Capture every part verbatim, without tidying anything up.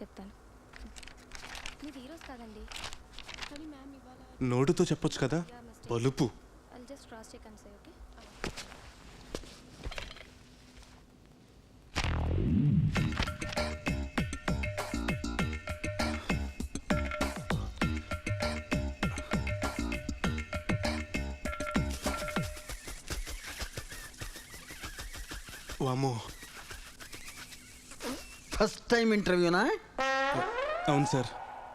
చెప్తాను. మీరు హీరోస్ కాదండి. కానీ మ్యామ్ ఇవాళ నోటుతో చెప్పొచ్చు కదా, బలుపు. I'll just cross check and say, okay? వామో, ఫస్ట్ టైం ఇంటర్వ్యూనా? అవును సార్.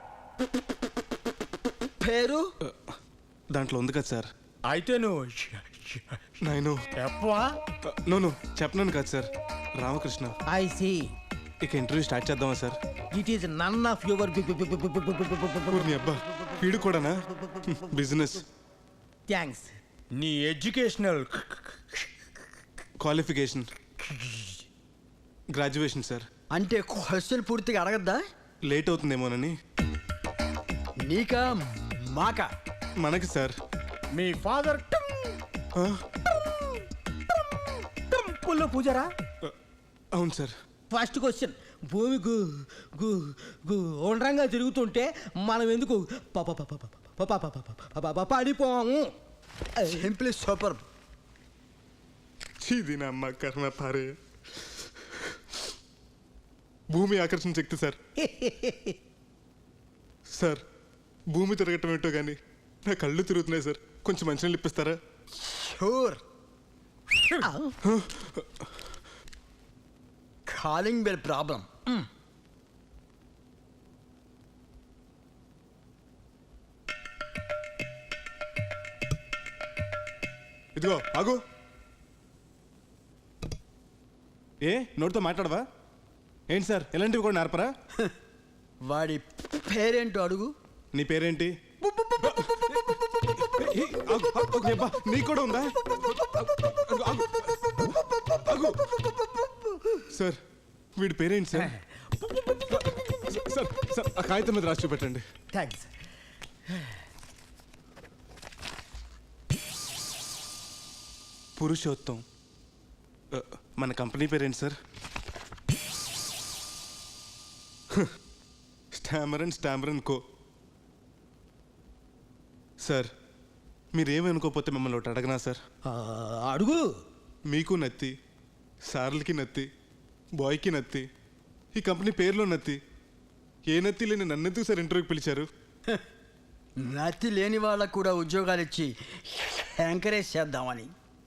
పేరు దాంట్లో ఉంది కదా సార్. అయితే నువ్వు నేను చెప్పవా? నోను చెప్పనాను కదా సార్. రామకృష్ణ. I see. ఇక ఇంటర్వ్యూ స్టార్ట్ చేద్దామా sir? It is none of your నీ అబ్బా, వీడు కూడానా? బిజినెస్. థ్యాంక్స్. నీ ఎడ్యుకేషనల్ క్వాలిఫికేషన్ గ్రాడ్యుయేషన్ సార్. అంటే క్వశ్చన్ పూర్తిగా అడగద్దా? లేట్ అవుతుందేమోనని. నీకా మాకా? మనకి సార్. మీ ఫాదర్ ఆ? టెంపుల్లో పూజారా? అవును సార్. ఫస్ట్ క్వశ్చన్, భూమి గు గు గు ఉండ్రంగా తిరుగుతుంటే మనం ఎందుకు ప- ప- ప- ప- ప- ప- ప- ప- ప- ప- ప- పడిపోము? Simply super. ఇది నా అమ్మ కర్మ పారే. భూమి ఆకర్షణ శక్తి సార్. సార్, భూమి తిరగటం ఏంటో కానీ నా కళ్ళు తిరుగుతున్నాయి సార్. కొంచెం మంచినీళ్ళు ఇప్పిస్తారా? షూర్. Calling bell problem. ఇదిగో ఆగు. ఏ నోటితో మాట్లాడవా ఏంటి సార్? ఎలాంటివి కూడా నేర్పరా? వాడి పేరేంటో అడుగు. నీ పేరేంటి? ఏ, ఆగు, ఆగు, ఆగు, అబ్బా, నీకు కూడా ఉందా? ఆగు, ఆగు, ఆగు. సార్, వీడి పేరేంటి సార్? సార్ సార్ ఆ కాగితం మీద రాసి చూపెట్టండి. థ్యాంక్స్. పురుషోత్తం. ఆ, మన కంపెనీ పేరేంటి సార్? స్టామరన్ స్టామరన్ కో. సార్, మీరేమనుకోకపోతే మిమ్మల్ని ఒకటి అడగనా సార్? ఆ, అడుగు. మీకు నత్తి, సార్లకి నత్తి, బాయ్కి నత్తి, ఈ కంపెనీ పేరులో నత్తి. ఏ నత్తి లేని నన్నెందుకు సార్ ఇంటర్వ్యూకి పిలిచారు? నతి లేని వాళ్ళకు కూడా ఉద్యోగాలు ఇచ్చి ఎంకరేజ్ చేద్దామని.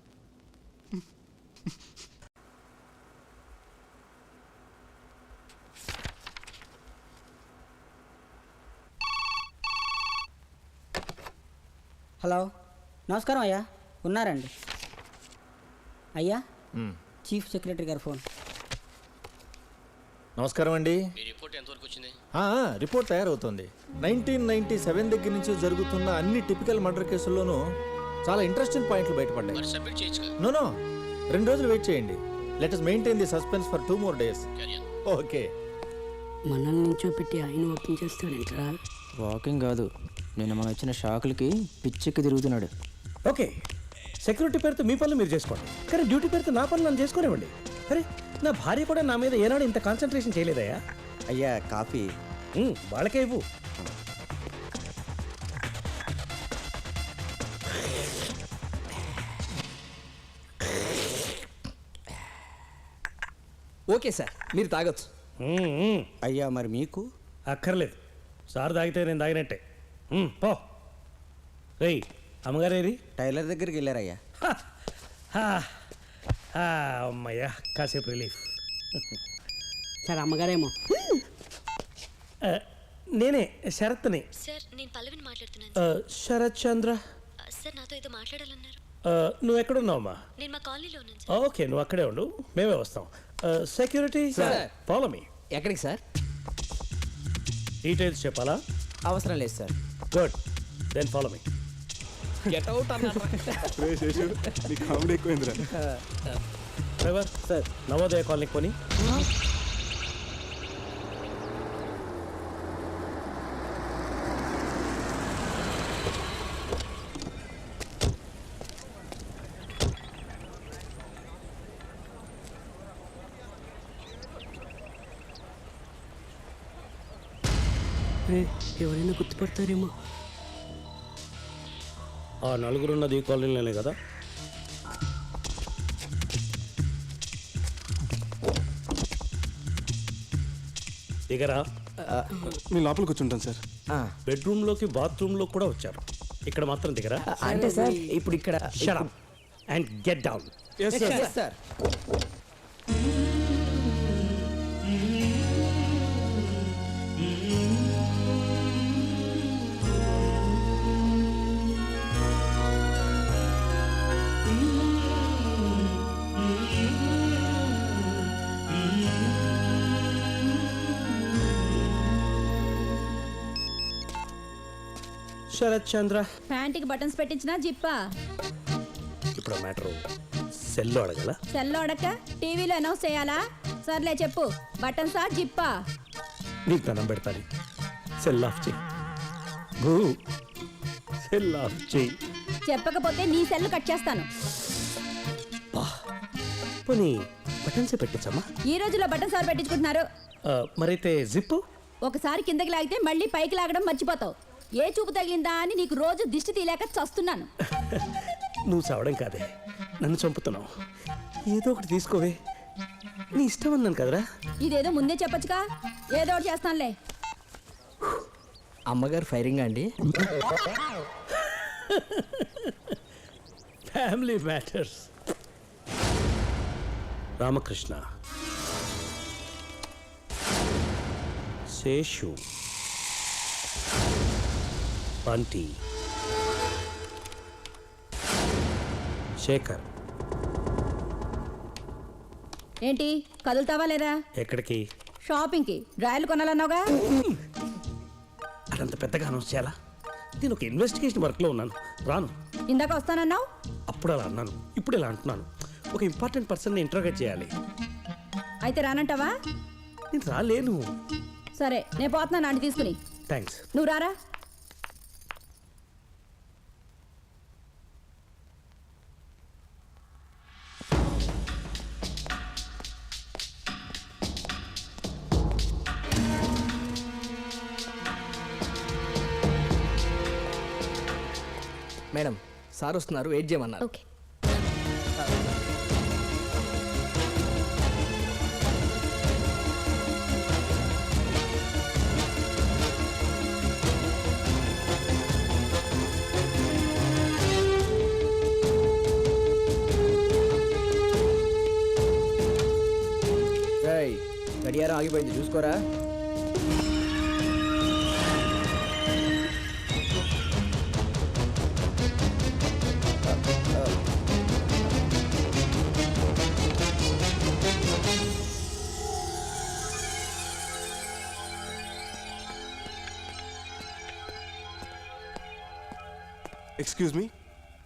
హలో, నమస్కారం అయ్యా. ఉన్నారండి అయ్యా? చీఫ్ సెక్రటరీ గారు ఫోన్. నమస్కారం అండి. మీ రిపోర్ట్ ఎంతవరకు వచ్చింది? ఆ, రిపోర్ట్ తయారవుతుంది. నైన్టీన్ నైన్టీ సెవెన్ దగ్గర నుంచి జరుగుతున్న అన్ని టిపికల్ మర్డర్ కేసుల్లోనూ చాలా ఇంట్రెస్టింగ్ పాయింట్లు బయటపడ్డాయి. మరి సబ్మిట్ చేయొచ్చు. నో నో రెండు రోజులు వెయిట్ చేయండి. Let us maintain the suspense for two more days. Okay. మనల్ని నుంచోపెట్టి ఆయన వాకింగ్ చేస్తాడంటరా? వాకింగ్ కాదు, నిన్న మనం ఇచ్చిన షాకులకి పిచ్చెక్కి తిరుగుతున్నాడు. ఓకే, సెక్యూరిటీ పేరుతో మీ పనులు మీరు చేసుకోండి, కానీ డ్యూటీ పేరుతో నా పనులు నన్ను చేసుకోనివ్వండి. అరే, నా భార్య కూడా నా మీద ఏనాడు ఇంత కాన్సన్ట్రేషన్ చేయలేదయ్యా. అయ్యా కాఫీ. ఉమ్, వాళ్ళకే ఇవ్వు. ఓకే సార్, మీరు తాగొచ్చు. ఉమ్, ఉమ్. అయ్యా మరి మీకు? అక్కర్లేదు, సార్ తాగితే నేను తాగినట్టే. ఉమ్, పో. రేయ్, అమ్మగారేరి? టైలర్ దగ్గరికి వెళ్ళారయ్యా. అమ్మయ్యా, కాసేపు రిలీఫ్. సార్ అమ్మగారేమో. ఆ, నేనే శరత్ని. సార్, నేను పల్లవిని మాట్లాడుతున్నాను. ఆ, శరత్ చంద్ర. సార్, నాతో ఏదో మాట్లాడాలన్నారు. ఆ, నువ్వు ఎక్కడున్నావమ్మా? నేను మా కాలనీలో ఉన్నాను. ఓకే, నువ్వు అక్కడే ఉండు, మేమే వస్తాం. Security, follow me. ఎక్కడికి సార్? డీటెయిల్స్ చెప్పాలా? అవసరం లేదు sir. Good, then follow me. Get out అన్నారు. నీ కామెడీ ఎక్కువైందిరా. డ్రైవర్ సార్, నవోదయ కాలనీకి పోనీ. రే ఎవరైనా గుర్తుపడతారేమో. ఆ నలుగురున్నది ఈ కాలనీలోనే కదా? దిగరా. మీ లోపలికి కూర్చుంటాను సార్. బెడ్రూమ్లోకి బాత్రూంలో కూడా వచ్చారు, ఇక్కడ మాత్రం దిగరా. అంటే సార్ ఇప్పుడు ఇక్కడ shut up and get down. Yes sir. Sir Sarath Chandra, ప్యాంటీకి బటన్స్ పెట్టించినా జిప్పా? ఇప్పుడు మ్యాటర్ సెల్లో అడగల. సెల్లో అడక్క టీవీలో అనౌన్స్ చేయాలా? సర్లే చెప్పు, బటన్సా జిప్పా? నీకు దండం పెడతాను, సెల్ ఆఫ్ చేయి. భూ సెల్ ఆఫ్ చేయి. చెప్పకపోతే నీ సెల్ కట్ చేస్తాను. పోనీ బటన్సే పెట్టించమ్మా. ఈ రోజుల్లో బటన్స్ సార్ పెట్టించుకుంటున్నారు. ఆ, మరైతే జిప్పు. ఒకసారి కిందకి లాగితే మళ్ళీ పైకి లాగడం మర్చిపోతావు. ఏ చూపు తగిలిందా అని నీకు రోజు దిష్టి తీయలేక చస్తున్నాను. నువ్వు చావడం కాదే, నన్ను చంపుతున్నావు. ఏదో ఒకటి తీసుకోవే, నీ ఇష్టం అన్నాను కదరా. ఇదేదో ముందే చెప్పొచ్చుగా. ఏదో ఒకటి చేస్తానులే. అమ్మగారు ఫైరింగ్ అండి. Family matters. రామకృష్ణ, శేషు, బంటి, శేఖర్. ఏంటి కదులుతావా లేదా? ఎక్కడికి? షాపింగ్కి. డ్రాయలు కొనాలన్నావుగా. అదంత పెద్దగా అనౌన్స్ చేయాలా? నేను ఒక ఇన్వెస్టిగేషన్ వర్క్లో ఉన్నాను, రాను. ఇందాక వస్తానన్నావు. అప్పుడు అలా అన్నాను, ఇప్పుడు ఇలా అంటున్నాను. ఒక ఇంపార్టెంట్ పర్సన్ని ఇంటర్గేట్ చేయాలి. అయితే రానంటావా? నేను రాలేను. సరే నేను పోతున్నాను ఆంటీ తీసుకుని. థ్యాంక్స్. నువ్వు రారా. మేడం సార్ వస్తున్నారు, వెయిట్ చేయమన్నారు. ఓకే. గడియారం ఆగిపోయింది, చూసుకోరా. Excuse me.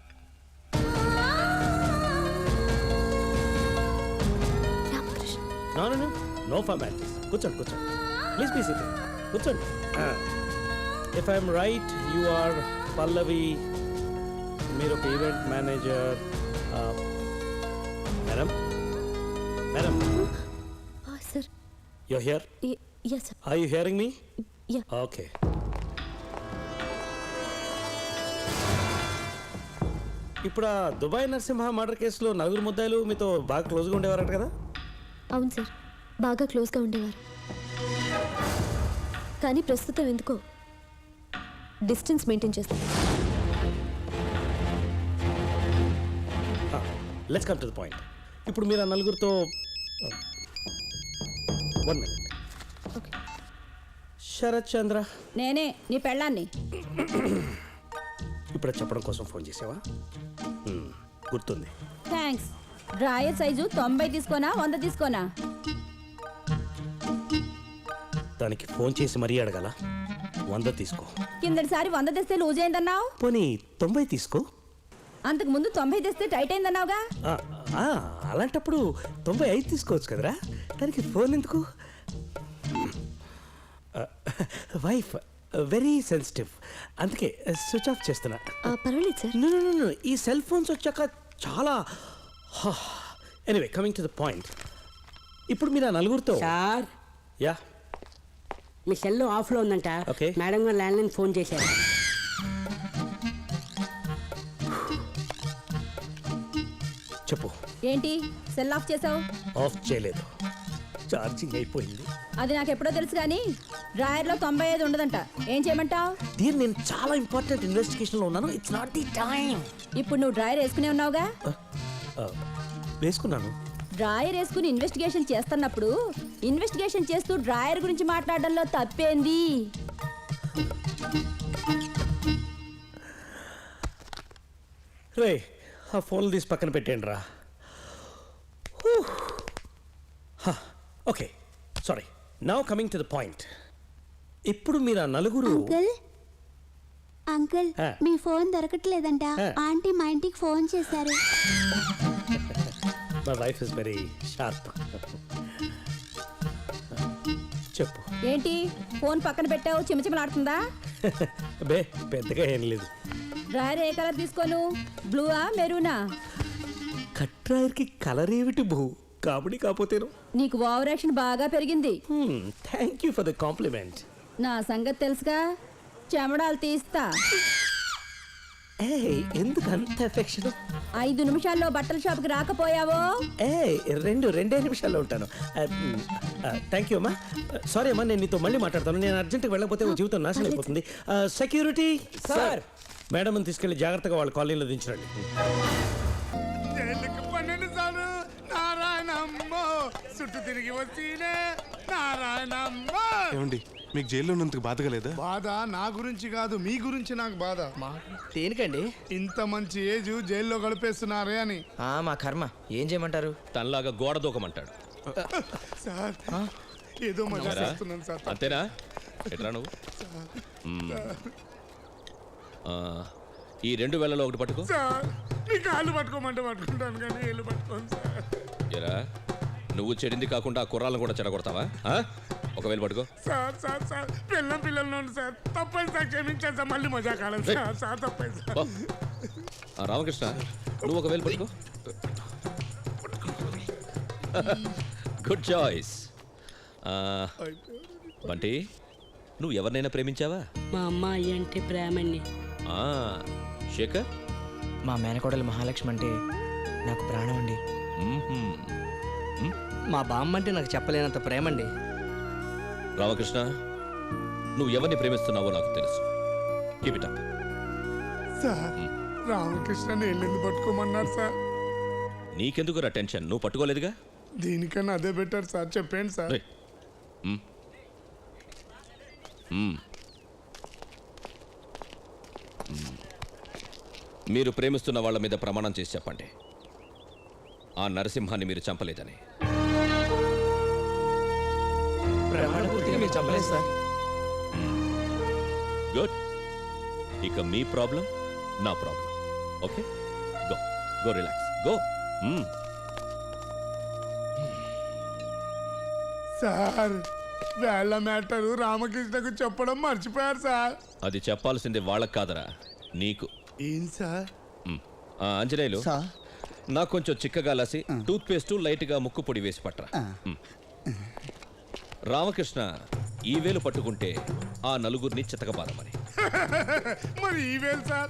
No no no no formalities. కూర్చోండి కూర్చోండి, ప్లీజ్ ప్లీజ్ సిట్. కూర్చోండి. If I'm right you are Pallavi, మీరు ఒక event manager. Madam madam sir. You hear? yes sir. Are you hearing me? Yeah. Okay. ఇప్పుడు ఆ దుబాయ్ నరసింహ మర్డర్ కేసులో నలుగురు ముద్దాయిలు మీతో బాగా క్లోజ్గా ఉండేవారట కదా? అవును సార్, బాగా క్లోజ్గా ఉండేవారు. కానీ ప్రస్తుతం ఎందుకో డిస్టెన్స్ మెయింటైన్ చేస్తాను. Let's come to the point. ఇప్పుడు మీరు ఆ నలుగురితో one minute. Okay. Sarath Chandra, నేనే నీ పెళ్ళాన్ని. ఇప్పుడు చెప్పడం కోసం ఫోన్ చేసావా? Hmm, గుర్తుంది. థ్యాంక్స్. డ్రాయర్ సైజు తొంభై తీసుకోనా వంద తీసుకోనా? దానికి ఫోన్ చేసి మరీ అడగాల? వంద తీసుకో. కిందటిసారి వంద తెస్తే లూజ్ అయిందన్నావు. పోనీ తొంభై తీసుకో. అంతకు ముందు తొంభై తెస్తే టైట్ అయిందన్నావుగా. ఆ, ఆ, అలాంటప్పుడు తొంభై ఐదు తీసుకోవచ్చు కదరా, దానికి ఫోన్ ఎందుకు? వైఫ్ వెరీ సెన్సిటివ్, అందుకే స్విచ్ ఆఫ్ చేస్తున్నా. పర్వాలేదు sir. No, no, no, no. ఈ సెల్ ఫోన్స్ వచ్చాక చాలా. Anyway, coming to the point. ఇప్పుడు మీరు ఆ నలుగురితో. సార్ యా మీ సెల్ ఆఫ్లో ఉందంట. Okay. మేడం గారు ల్యాండ్లైన్ ఫోన్ చేశారు. చెప్పు. ఏంటి సెల్ ఆఫ్ చేసావు? ఆఫ్ చేయలేదు, ఛార్జింగ్ అయిపోయింది. అది నాకు ఎప్పుడో తెలుసు కానీ డ్రాయర్లో తొంభై ఐదు ఉండదంట. ఏం చేయమంటావు? దీన్ని నేను చాలా ఇంపార్టెంట్ ఇన్వెస్టిగేషన్లో ఉన్నాను. It's not the time. ఇప్పుడు నువ్వు డ్రాయర్ వేసుకునే ఉన్నావుగా. వేసుకున్నాను. డ్రాయర్ వేసుకుని ఇన్వెస్టిగేషన్ చేస్తున్నప్పుడు ఇన్వెస్టిగేషన్ చేస్తూ డ్రాయర్ గురించి మాట్లాడడంలో తప్పేంది? రే, ఆ ఫోన్లు తీసి పక్కన పెట్టేయండి రా. Okay, sorry. Now coming to the point. ఇప్పుడు మీరు ఆ నలుగురు అంకుల్ అంకుల్ ఆ. మీ ఫోన్ దొరకట్లేదంట. ఆ. ఆంటీ మా ఇంటికి ఫోన్ చేశారు. My wife is very sharp. చెప్పు. ఏంటి ఫోన్ పక్కన పెట్టావు? చిమచిమలాడుతుందా? బే, పెద్దగా ఏం లేదు. డ్రాయర్ ఏ కలర్ తీసుకోను? బ్లూవా మెరూనా? కట్రాయర్కి కలర్ ఏమిటి బహు? కాబట్టి కాకపోతేను. నీకు ఓవర్ యాక్షన్ బాగా పెరిగింది. Thank you for the compliment. నా సంగతి తెలుసుగా, చెమడాలు తీస్తా. ఏ ఎందుకు అంత ఎఫెక్షన్? ఐదు నిమిషాల్లో బట్టల షాప్కి రాకపోయావో ఏ రెండు రెండే నిమిషాల్లో ఉంటాను. థ్యాంక్ యూ అమ్మా. సారీ అమ్మా, నేను నీతో మళ్ళీ మాట్లాడతాను. నేను అర్జెంట్గా వెళ్ళకపోతే ఓ జీవితం నాశనం అయిపోతుంది. సెక్యూరిటీ సార్, మేడం తీసుకెళ్ళి జాగ్రత్తగా వాళ్ళ కాలనీలో దించండి. పన్నెండు సార్లు నారాయణమ్మ చుట్టూ తిరిగి వచ్చినే నారాయణమ్మ. ఏమండి, మీకు జైల్లో ఉన్నందుకు బాధగా లేదా? బాధ నా గురించి కాదు, మీ గురించి నాకు బాధ. దేనికండి? ఇంత మంచి ఏజ్ జైల్లో గడిపేస్తున్నారే అని. మా కర్మ, ఏం చేయమంటారు? తనలాగా గోడ దూకమంటాడు. సార్ ఏదో మజా చేస్తున్నాను సార్. అంతేనా? ఎట్రా నువ్వు? మ్మ్. ఆ, ఈ రెండు వేలలో ఒకటి పట్టుకో. సార్ మీ కాళ్ళు పట్టుకోమంటే పట్టుకుంటాను కానీ ఏళ్ళు పట్టుకోను సార్. ఎరా, నువ్వు చెడింది కాకుండా ఆ కుర్రాలను కూడా చెడగొడతావా? ఆ? ఒకవేళ పట్టుకో. సార్ సార్ సార్ పిల్లం పిల్లలు నుండి సార్ తప్పైంది సార్, క్షమించాను సార్. మళ్ళీ మజా కాలం సార్. సార్ తప్పైంది సార్. ఓ. ఆ, రామకృష్ణ, నువ్వు ఒకవేళ పట్టుకో. Good choice. బంటి, నువ్వు ఎవరినైనా ప్రేమించావా? మా అమ్మాయి అంటే ప్రేమని. ఆ, శేఖర్? మా మేనకోడలు మహాలక్ష్మి అంటే నాకు ప్రాణం అండి. మ్మ్హ్మ్. మ్? మా బామ్మ అంటే నాకు చెప్పలేనంత ప్రేమండి. రామకృష్ణ, నువ్వు ఎవరిని ప్రేమిస్తున్నావో నాకు తెలుసు. Keep it up. Sir Ramakrishna నేను పట్టుకోమన్నారు సార్. నీకెందుకు రా టెన్షన్? నువ్వు పట్టుకోలేదుగా. దీనికన్నా అదే బెటర్ సార్. చెప్పండి సార్. రేయ్. మ్. మ్. మ్. మీరు ప్రేమిస్తున్న వాళ్ళ మీద ప్రమాణం చేసి చెప్పండి, ఆ నరసింహాన్ని మీరు చంపలేదని. మీరు చెప్పలేదు సార్. గుడ్. ఇక మీ ప్రాబ్లం నా problem. Okay, go go relax, go. Sir వేళ మ్యాటరు రామకృష్ణకు చెప్పడం మర్చిపోయారు సార్. అది చెప్పాల్సింది వాళ్ళకి కాదరా, నీకు. ఏం సార్? మ్. ఆ, ఆంజనేయులు, నాకు కొంచెం చిక్కగా లాసి టూత్ పేస్ట్ లైట్గా ముక్కు పొడి వేసి పట్టరా. మ్. రామకృష్ణ ఈ వేలు పట్టుకుంటే ఆ నలుగురిని చితకబారమని. మరి ఈ వేలు సార్?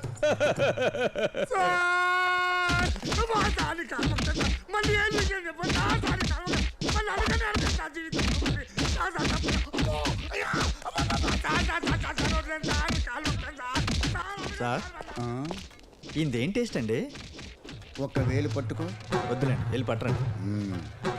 సార్! అమ్మా, దాని కాకపోతే సార్. మళ్ళీ ఏం విషయం చెప్పండి. ఆ, దాని కాకపోతే మళ్ళీ అడగనే అడగండి సార్ జీవితం. సార్, సార్, తప్పు. అమ్మో, అయ్యా, అమ్మా, అమ్మా, sir, sir, sir, sir, sir, వదిలేండి సార్. కాలు ఉంటాను సార్. సార్, ఇందేం టేస్ట్ అండి? ఒక వేలు పట్టుకో. వద్దులేండి, వెళ్ళి పట్టరండి.